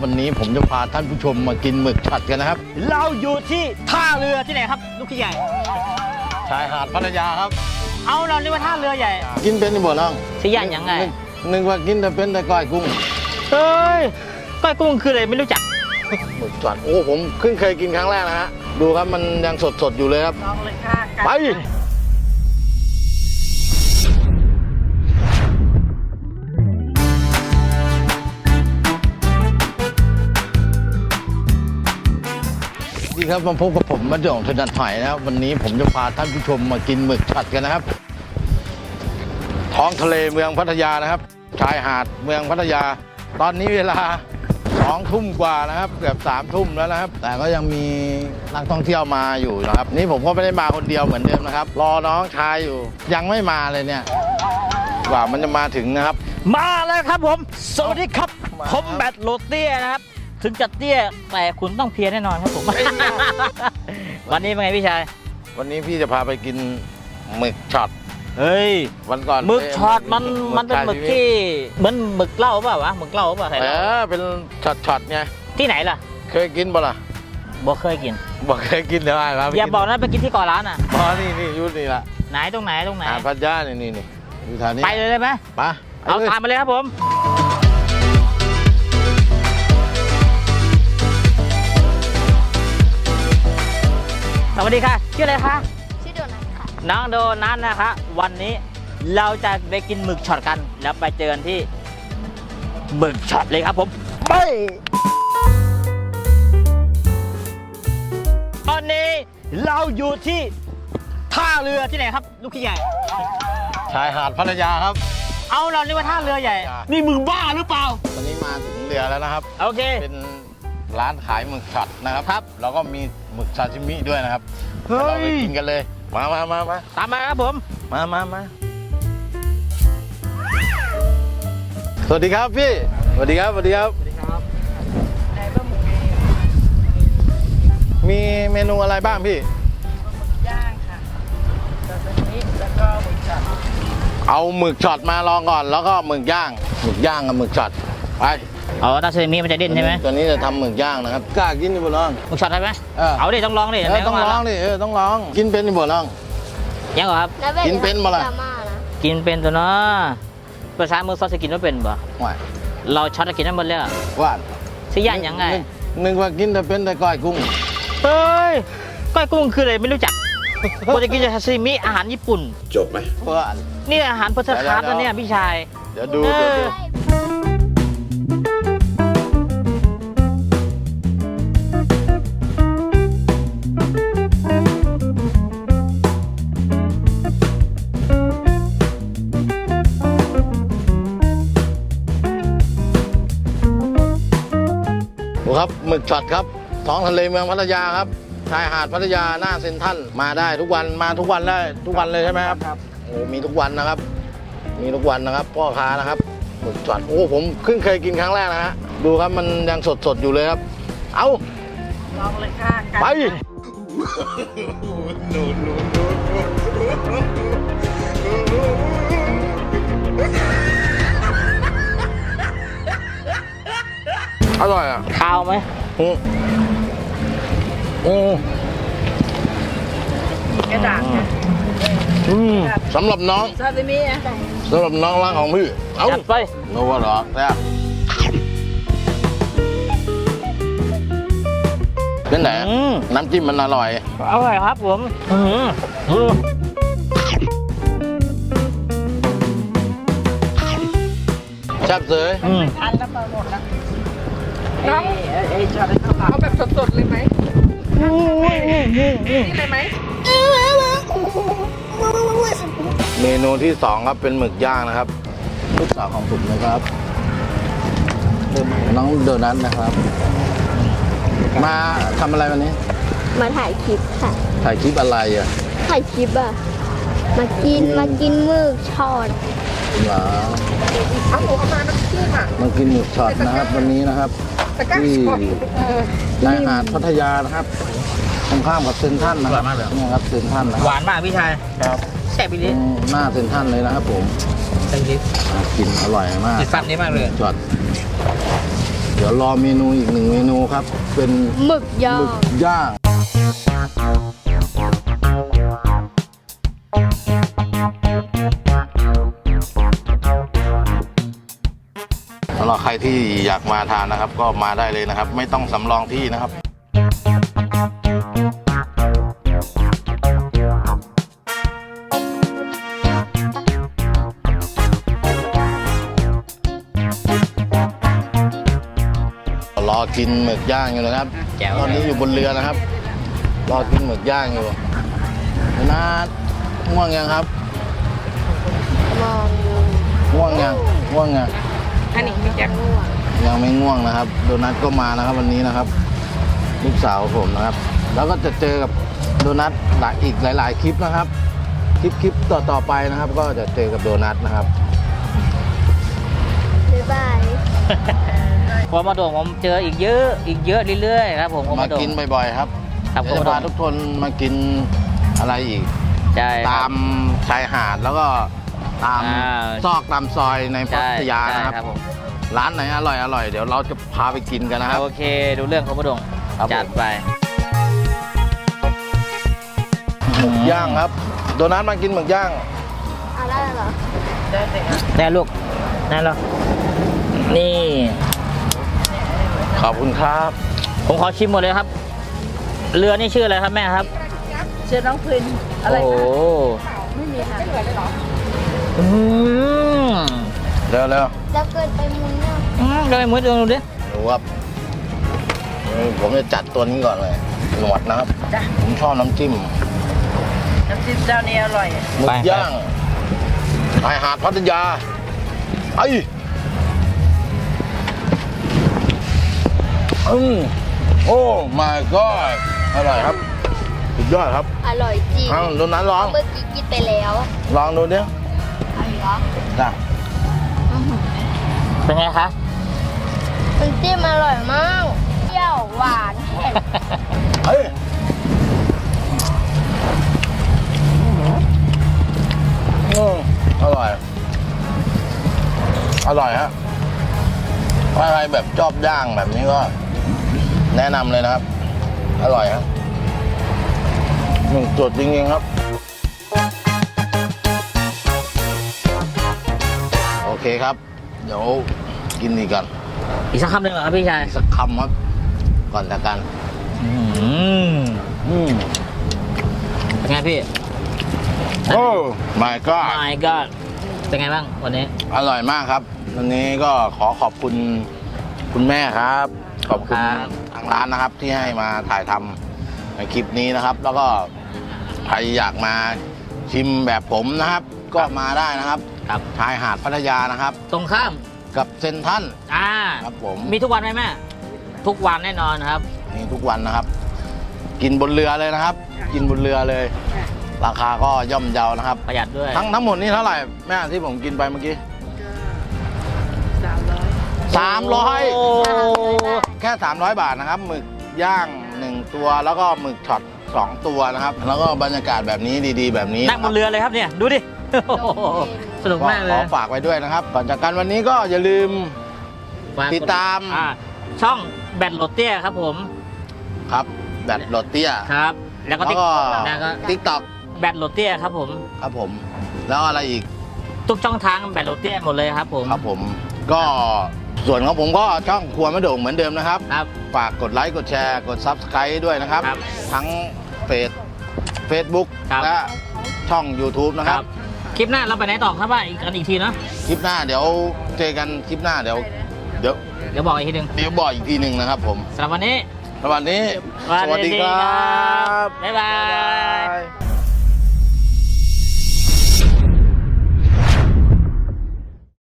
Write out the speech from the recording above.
วันนี้ผมจะพาท่านผู้ชมมากินหมึกช็อตกันนะครับเราอยู่ที่ท่าเรือที่ไหนครับลูกพี่ใหญ่ชายหาดพัทยาครับเอาเราเรียกว่าท่าเรือใหญ่กินเป็นนี่บ่น้องสิย่านยังไงนึกว่ากินแต่เป็นแต่ก้อยกุ้งเฮ้ยก้อยกุ้งคืออะไรไม่รู้จักหมึกช็อตโอ้ผมเพิ่งเคยกินครั้งแรกนะฮะดูครับมันยังสดอยู่เลยครับลองเลยค่ะไปดีครับมาพบกับผมมาเดี่ยวถนัดหอยนะครับวันนี้ผมจะพาท่านผู้ชมมากินหมึกช็อตกันนะครับท้องทะเลเมืองพัทยานะครับชายหาดเมืองพัทยาตอนนี้เวลา2 ทุ่มกว่านะครับเกือบ3 ทุ่มแล้วนะครับแต่ก็ยังมีนักท่องเที่ยวมาอยู่นะครับนี่ผมก็ไม่ได้มาคนเดียวเหมือนเดิมนะครับรอน้องชายอยู่ยังไม่มาเลยเนี่ยกว่ามันจะมาถึงนะครับมาแล้วครับผมสวัสดีครับผมแบทโรเตี้ยนะครับถึงจะเตี้ยแต่คุณต้องเพียรแน่นอนครับผม วันนี้เป็นไงพี่ชายวันนี้พี่จะพาไปกินหมึกช็อตเฮ้ยวันก่อนหมึกช็อตมันเป็นหมึกที่เหมือนหมึกเหล้าเปล่าวะหมึกเหล้าเปล่าเป็นช็อตไงที่ไหนล่ะเคยกินบ่ล่ะบ่เคยกินเดี๋ยวอะไรอย่าบอกนะไปกินที่เกาะล้านอ่ะนี่ยุทธนี่ละไหนตรงไหนพัทยานี่อยู่แถวนี้ไปเลยได้ไหมไปเอาตามมาเลยครับผมสวัสดีค่ะชื่ออะไรคะชื่อโดนัทค่ะน้องโดนัทนะคะวันนี้เราจะไปกินหมึกช็อตกันแล้วไปเจอกันที่หมึกช็อตเลยครับผมไปตอนนี้เราอยู่ที่ท่าเรือที่ไหนครับลูกพี่ใหญ่ชายหาดพัทยาครับเอาเราเรียกว่าท่าเรือใหญ่นี่มึงบ้าหรือเปล่าตอนนี้มาถึงเรือแล้วนะครับโอเคเป็นร้านขายหมึกช็อตนะครับแล้วก็มีหมึกซาชิมิด้วยนะครับเราไปกินกันเลยมาตามมาครับผมมาสวัสดีครับพี่สวัสดีครับมีเมนูอะไรบ้างพี่ย่างค่ะซาซิมิแล้วก็หมึกช็อตเอาหมึกช็อตมาลองก่อนแล้วก็หมึกย่างกับหมึกช็อตไปเอาตาเซมิมันจะดิ้นใช่ไหมตัวนี้จะทำหมึกย่างนะครับกล้ากินดิบ่ลองหมึกช็อตได้ไหมเอาดิต้องลองดิต้องลองดิต้องลองกินเป็นดิบ่ลองยังเหรอครับกินเป็นบ่ล่ะกินเป็นตัวเนาะภาษามือซอสกินไม่เป็นบ่เราช็อตกินได้หมดเลยว่าสิย่านยังไงนึกว่ากินแต่เป็นแต่ก้อยกุ้งเฮ้ยก้อยกุ้งคืออะไรไม่รู้จักกูจะกินซาซิมิอาหารญี่ปุ่นจบไหมว่านี่อาหารพัฒนาการเนี่ยพี่ชายเดี๋ยวดูครับหมึกช็อตครับท้องทะเลเมืองพัทยาครับชายหาดพัทยาหน้าเซ็นทรัลมาได้ทุกวันมาทุกวันได้ทุกวันเลยใช่ไหมครับโอ้มีทุกวันนะครับพ่อค้านะครับหมึกช็อตโอ้ผมเพิ่งเคยกินครั้งแรกนะฮะดูครับมันยังสดอยู่เลยครับเอาลองเลยค่ะไปอร่อยอ่ะข้าวไหมกระดาษสำหรับน้องซาซิมิสำหรับน้องรักของพี่เอาไปโน้ว่าหรอเนี่ยเป็นไหนน้ำจิ้มมันอร่อยครับผมแซ่บเลยทันแล้วมาหมดแล้วน้องเอาแบบสดๆเลยไหมนี่เลยไหมเมนูที่2ครับเป็นหมึกย่างนะครับลูกสาวของผมนะครับน้องโดนัทนะครับมาทำอะไรวันนี้มาถ่ายคลิปค่ะถ่ายคลิปอะไรอ่ะถ่ายคลิปอ่ะมากินหมึกช็อตเหรอเอาหมูเข้ามาน้ำจิ้มอ่ะมากินหมึกช็อตนะครับวันนี้นะครับที่ชายหาดพัทยานะครับตรงข้ามกับเซ็นทรัลนะครับนี่ครับเซ็นทรัลนะหวานมากพี่ชายครับแซ่บไปดิหน้าเซ็นทรัลเลยนะครับผมแซ่บดิกินอร่อยมากติดฟันนี้มากเลยช็อตเดี๋ยวรอเมนูอีกหนึ่งเมนูครับ เป็นหมึกย่าหมึงกย่างสำหรับใครที่อยากมาทานนะครับ ก็มาได้เลยนะครับ ไม่ต้องสำรองที่นะครับ รอกินหมึกย่างอยู่นะครับแจ๋วตอนนี้อยู่บนเรือนะครับ รอกินหมึกย่างอยู่นะง่วงยังครับมองอยู่ง่วงยังง่วงยังอันนี้พี่แจ็คยังไม่ง่วงนะครับ โดนัทก็มานะครับวันนี้นะครับ ลูกสาวผมนะครับ แล้วก็จะเจอกับโดนัทอีกหลาย ๆ คลิปนะครับ คลิปต่อไปนะครับ ก็จะเจอกับโดนัทนะครับบ๊ายบายพอมาโด่งผมเจออีกเยอะเรื่อยๆครับผมมาโด่งกินบ่อยๆครับครับเดี๋ยวจะพาทุกคนมากินอะไรอีกใช่คตารับมชายหาดแล้วก็ตามอ่าซอกตามซอยในพัใช่ทยาใช่นะครับครับผมร้านไหนอร่อยเดี๋ยวเราจะพาไปกินกันนะครับโอเคดูเรื่องของมาโด่งครับผมจัดไปหมึกย่างครับ โดนัทมากินหมึกย่างเอาได้เหรอได้เลยครับได้ลูกได้แล้วนี่ขอบคุณครับผมขอชิมหมดเลยครับ เรือนี่ชื่ออะไรครับแม่ครับเชิญน้องพรินอะไรโอ้คะโหไม่มีค่ะไม่เหลือเลยเหรออืมเร็วแล้วเกิดไปมุนเนี่ยก็ไปมุดดูดิดูครับผมจะจัดตัวนี้ก่อนเลยหนวดนะครับจ้ะผมชอบน้ำจิ้มน้ำจิ้มเจ้านี้อร่อยหมึกย่างชายหาดพัทยาไอ้โอ้ my god อร่อยครับสุดยอดครับอร่อยจริงเอาโดนัทลองเมื่อกี้กินไปแล้วลองดูดิอะไรเหรอจ้ะเป็นไงคะมันำจิ้มอร่อยมากเปรี้ยวหวานเผ็ดเฮ้ยอร่อย อร่อยฮะถ้าใครแบบชอบย่างแบบนี้ก็ แนะนำเลยนะครับ อร่อยครับจุดจริงๆครับ โอเคครับ เดี๋ยวกินอีกกันอีกสักคำหนึ่งเหรอครับพี่ชายอีกสักคำครับ ก่อนจากกันอืมอืมเป็นไงพี่โอ้ my god my god เป็นไงบ้างวันนี้อร่อยมากครับ วันนี้ก็ขอขอบคุณคุณแม่ครับ ขอบคุณทางร้านนะครับ ที่ให้มาถ่ายทำในคลิปนี้นะครับ แล้วก็ใครอยากมาชิมแบบผมนะครับ ก็มาได้นะครับครับชายหาดพัทยานะครับตรงข้ามกับเซนทรัล ครับผมมีทุกวันไหมแม่ ทุกวันแน่นอนครับมีทุกวันนะครับ กินบนเรือเลยนะครับ กินบนเรือเลย ราคาก็ย่อมเยานะครับประหยัดด้วยทั้งหมดนี่เท่าไหร่แม่ที่ผมกินไปเมื่อกี้ 300 โอ้แค่ 300 บาทนะครับ หมึกย่าง 1 ตัว แล้วก็หมึกช็อต 2 ตัวนะครับ แล้วก็บรรยากาศแบบนี้ดีๆ แบบนี้นั่งบนเรือเลยครับเนี่ย ดูดิ สนุกก็มากเลขอย ฝากไว้ด้วยนะครับ ก่อนจากกันวันนี้ก็อย่าลืม ติดตามช่องแบทโรเตียครับผมครับแบตโรเตียครับ แล้วก็แล้วก็แล้วก็ทิกตอกแบทโรเตียครับผมครับผม แล้วอะไรอีกทุกช่องทางแบทโรเตียหมดเลยครับผมครับผม ก็ส่วนของผมก็ช่องครัวมะโด่งเหมือนเดิมนะครับครับฝากกดไลค์ กดแชร์ กด Subscribe ด้วยนะครับครับทั้งเฟซบุ๊กครับและช่อง YouTube นะครับคลิปหน้าเราไปไหนต่อครับว่าอีกทีเนาะคลิปหน้าเดี๋ยวเจอกันคลิปหน้าเดี๋ยวเดี๋ยวบอกอีกทีหนึ่งบอกอีกทีหนึ่งนะครับผมสำหรับวันนี้สวัสดีสวัสดีครับ บ๊ายบา